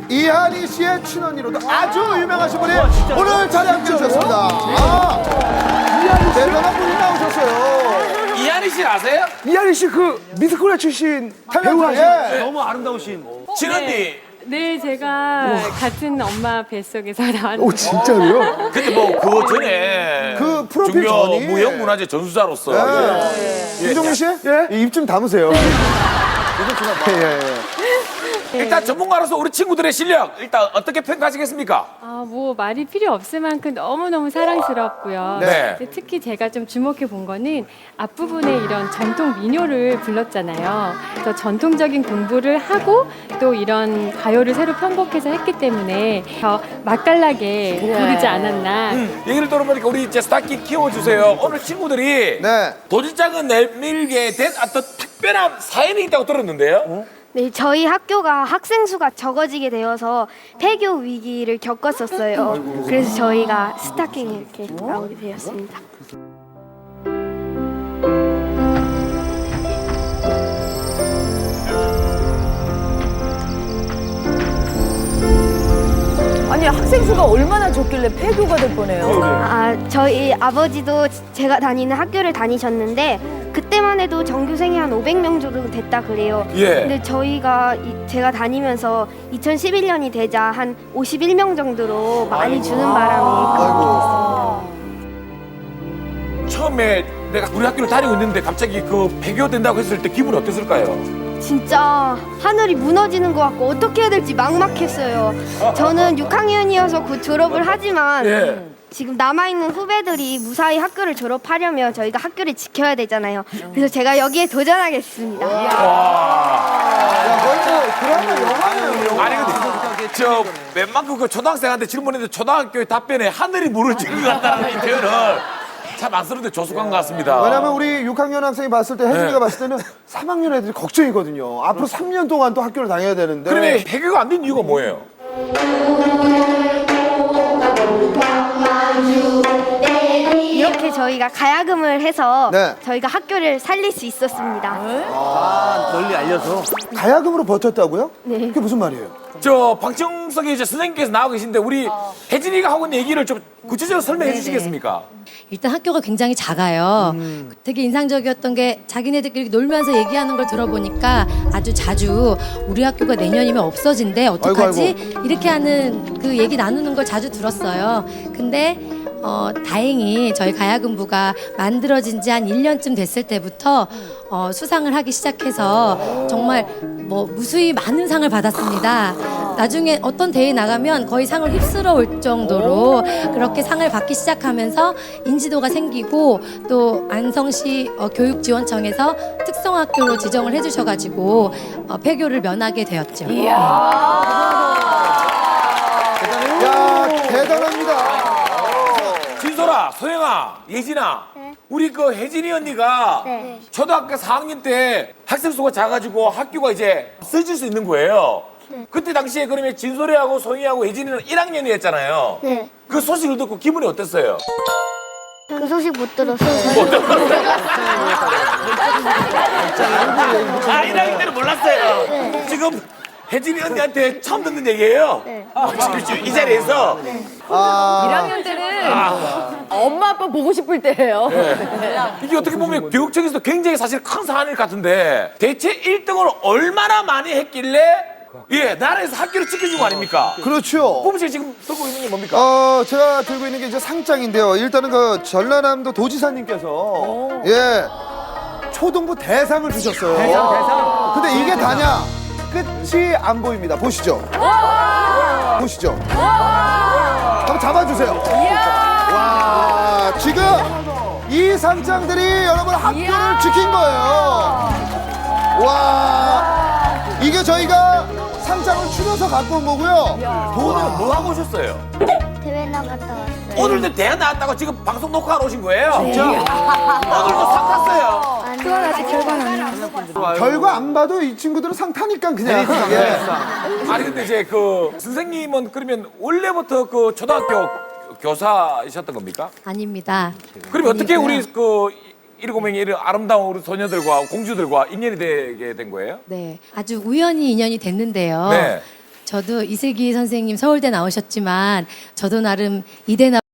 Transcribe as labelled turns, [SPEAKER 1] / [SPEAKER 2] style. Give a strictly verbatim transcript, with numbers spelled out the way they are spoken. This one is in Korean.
[SPEAKER 1] 이한희 씨의 친언니로도 아주 유명하신 분이 오늘 자리에 함께 해주셨습니다. 아, 대단한 분이 나오셨어요.
[SPEAKER 2] 이한희 씨 아세요?
[SPEAKER 3] 이한희 씨 그 미스코리아 출신
[SPEAKER 1] 배우 하신
[SPEAKER 3] 예.
[SPEAKER 4] 너무 아름다우신.
[SPEAKER 2] 친언니.
[SPEAKER 5] 네, 제가 같은 엄마 뱃속에서 나왔는데.
[SPEAKER 3] 오 진짜로요?
[SPEAKER 2] 근데 뭐 그 전에
[SPEAKER 1] 그 프로필
[SPEAKER 2] 중요
[SPEAKER 1] 전이
[SPEAKER 2] 무형문화재 전수자로서
[SPEAKER 1] 네. 김종민 씨?
[SPEAKER 3] 예?
[SPEAKER 1] 입 좀 담으세요. 예, 예, 예.
[SPEAKER 2] 일단 전문가로서 우리 친구들의 실력 일단 어떻게 평가하시겠습니까?
[SPEAKER 5] 아, 뭐 말이 필요 없을 만큼 너무너무 사랑스럽고요.
[SPEAKER 2] 네.
[SPEAKER 5] 근데 특히 제가 좀 주목해 본 거는 앞부분에 이런 전통 민요를 불렀잖아요. 그래서 전통적인 공부를 하고 또 이런 가요를 새로 편곡해서 했기 때문에 더 맛깔나게 부르지 않았나.
[SPEAKER 2] 음, 얘기를 들어보니까 우리 이제 스타키 키워주세요. 오늘 친구들이
[SPEAKER 1] 네.
[SPEAKER 2] 도지장은 내밀게 된 어떤 특별한 사연이 있다고 들었는데요.
[SPEAKER 6] 네, 저희 학교가 학생 수가 적어지게 되어서 폐교 위기를 겪었었어요. 그래서 저희가 스타킹에 이렇게 나오게 되었습니다.
[SPEAKER 7] 아니 학생 수가 얼마나 적길래 폐교가 될 뻔해요.
[SPEAKER 6] 아, 저희 아버지도 제가 다니는 학교를 다니셨는데 그때만 해도 전교생이 한 오백 명 정도 됐다 그래요.
[SPEAKER 2] 예.
[SPEAKER 6] 근데 저희가 이, 제가 다니면서 이천십일 년이 되자 한 오십일 명 정도로 많이 주는 바람에 그렇게 됐습니다.
[SPEAKER 2] 처음에 내가 우리 학교를 다니고 있는데 갑자기 그 폐교된다고 했을 때 기분이 어땠을까요?
[SPEAKER 6] 진짜 하늘이 무너지는 것 같고 어떻게 해야 될지 막막했어요. 저는 육 학년이어서 곧 졸업을 하지만
[SPEAKER 2] 예.
[SPEAKER 6] 지금 남아있는 후배들이 무사히 학교를 졸업하려면 저희가 학교를 지켜야 되잖아요. 그래서 제가 여기에 도전하겠습니다.
[SPEAKER 1] 야, 거의 뭐 드라마 영화네요.
[SPEAKER 2] 아니 근데 저 웬만큼 그 초등학생한테 질문했는데 초등학교의 답변에 하늘이 무너지는 것 같다는 이 표현을 참 안쓰러운데 조숙한 것 같습니다.
[SPEAKER 1] 왜냐면 우리 육 학년 학생이 봤을 때 혜진이가
[SPEAKER 2] 네.
[SPEAKER 1] 봤을 때는 삼 학년 애들이 걱정이거든요. 앞으로 삼 년 동안 또 학교를 다녀야 되는데.
[SPEAKER 2] 그러면 폐교가 안 된 이유가 뭐예요?
[SPEAKER 6] 이렇게 저희가 가야금을 해서
[SPEAKER 1] 네.
[SPEAKER 6] 저희가 학교를 살릴 수 있었습니다.
[SPEAKER 4] 아, 널리 알려서.
[SPEAKER 1] 가야금으로 버텼다고요?
[SPEAKER 6] 네.
[SPEAKER 1] 그게 무슨 말이에요?
[SPEAKER 2] 저 방청석에 이제 선생님께서 나오고 계신데 우리 혜진이가 하고 있는 얘기를 좀 구체적으로 설명해 주시겠습니까?
[SPEAKER 8] 일단 학교가 굉장히 작아요. 되게 인상적이었던 게 자기네들끼리 놀면서 얘기하는 걸 들어보니까 아주 자주 우리 학교가 내년이면 없어진대 어떡하지?
[SPEAKER 1] 아이고,
[SPEAKER 8] 이렇게 하는 그 얘기 나누는 걸 자주 들었어요. 근데 어, 다행히 저희 가야금부가 만들어진 지 한 일 년쯤 됐을 때부터 어, 수상을 하기 시작해서 정말 뭐 무수히 많은 상을 받았습니다. 나중에 어떤 대회 나가면 거의 상을 휩쓸어 올 정도로 그렇게 상을 받기 시작하면서 인지도가 생기고 또 안성시 어, 교육지원청에서 특성학교로 지정을 해주셔가지고 어, 폐교를 면하게 되었죠.
[SPEAKER 1] 야, 대단합니다.
[SPEAKER 2] 진솔아, 소영아, 예진아, 우리 그 혜진이 언니가
[SPEAKER 6] 네.
[SPEAKER 2] 초등학교 사 학년 때 학생 수가 작아지고 학교가 이제 쓰질 수 있는 거예요. 그때 당시에 그러면 진솔이하고 소영이하고 혜진이는 일 학년이었잖아요.
[SPEAKER 6] 네.
[SPEAKER 2] 그 소식을 듣고 기분이 어땠어요?
[SPEAKER 6] 그 소식 못 들었어요.
[SPEAKER 2] 아, 일 학년 때는 몰랐어요. 지금 혜진이 언니한테 처음 듣는 얘기예요. 아, 지금, 지금 이 자리에서.
[SPEAKER 1] 아,
[SPEAKER 7] 일 학년 때는 엄마 아빠 보고 싶을 때예요.
[SPEAKER 2] 이게 어떻게 보면 교육청에서도 굉장히 사실 큰 사안일 것 같은데 대체 일 등을 얼마나 많이 했길래 예 나라에서 학교를 지켜준 거 아닙니까?
[SPEAKER 1] 그렇죠.
[SPEAKER 2] 뽑으씨 지금 들고 있는 게 뭡니까?
[SPEAKER 1] 어, 제가 들고 있는 게 이제 상장인데요. 일단은 그 전라남도 도지사님께서 예 초등부 대상을 주셨어요.
[SPEAKER 4] 대상, 대상.
[SPEAKER 1] 근데 이게 다냐? 끝이 안 보입니다. 보시죠. 보시죠. 한번 잡아주세요. 와, 지금 이 상장들이 여러분 학교를 지킨 거예요. 와, 이게 저희가 상장을 추려서 갖고 온 거고요.
[SPEAKER 2] 오늘 뭐 하고 오셨어요?
[SPEAKER 6] 대회 나갔다 왔어요.
[SPEAKER 2] 오늘도 대학 나왔다고 지금 방송 녹화하러 오신 거예요? 진짜? 오늘도 상 탔어요.
[SPEAKER 6] 그건 아직 결과는 안 나왔어요.
[SPEAKER 1] 결과 안 봐도 이 친구들은 상 타니까 그냥. 예.
[SPEAKER 2] 아니 근데 이제 그 선생님은 그러면 원래부터 그 초등학교 교사이셨던 겁니까?
[SPEAKER 8] 아닙니다.
[SPEAKER 2] 그러면 어떻게
[SPEAKER 8] 아니고요.
[SPEAKER 2] 우리 그 일곱 명의 이런 아름다운 우리 소녀들과 공주들과 인연이 되게 된 거예요?
[SPEAKER 8] 네, 아주 우연히 인연이 됐는데요.
[SPEAKER 2] 네.
[SPEAKER 8] 저도 이슬기 선생님 서울대 나오셨지만 저도 나름 이대 나